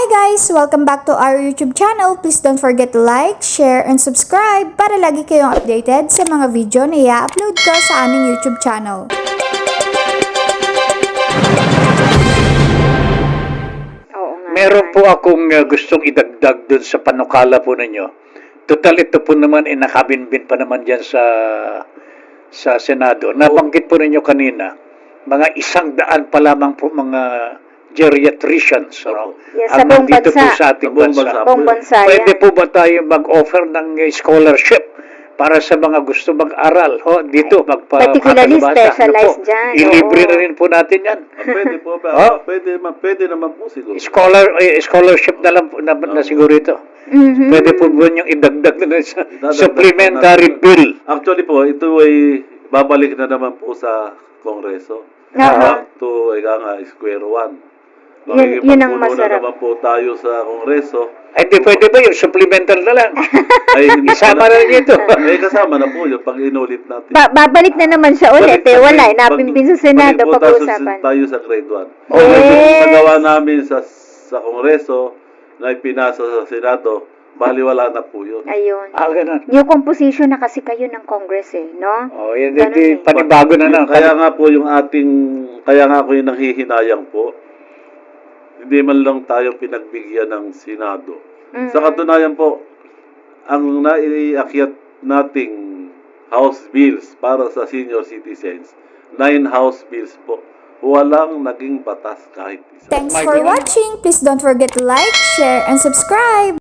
Hi guys! Welcome back to our YouTube channel. Please don't forget to like, share, and subscribe para lagi kayong updated sa mga video na i-upload ko sa aming YouTube channel. Meron po akong gustong idagdag dun sa panukala po ninyo. Total ito po naman nakabinbin pa naman dyan sa Senado. Nabanggit po ninyo kanina, mga 100 pa lamang po mga geriatricians. Yes, ang sa buong nandito po bansa. sa ating bansa. Buong bansa, Pwede yan. po ba tayo mag-offer ng scholarship para sa mga gusto mag-aral? Dito, Particularly makakabasa. specialized dyan, Ilibre oo. na rin po natin yan. Pwede po ba? Oh. Pwede naman po siguro. Scholarship na lang po na siguro ito. Mhm. Pwede po ba yung idagdag na sa Idadagdag supplementary po natin. bill? Actually po, ito ay babalik na naman po sa Kongreso. Aha. Back to, square one. Yun ang Makikipagpuno masarap. na naman po tayo sa Kongreso. Ay, di pwede ba yung supplemental na lang? Ay, hindi Isama na rin ito. kasama na po yung pag inulit natin. Babalik na naman siya ulit eh. Wala, napimpin sa Senado balik po pag-uusapan. tayo sa grade 1. Yes. Nagawa namin sa Kongreso na ipinasa sa Senado, baliwala na po yun. Ayun. Ganun. New composition na kasi kayo ng Congress eh, no? Yan, Ganun di, eh. panibago na lang. Kaya nga po kaya nga ako yung nanghihinayang po. Hindi man lang tayo pinagbigyan ng Senado. Mhm. Sa katunayan po, ang naiakyat nating House bills para sa senior citizens, 9 House bills po. Walang naging batas kahit isa. Thanks for watching. Please don't forget to like, share, and subscribe.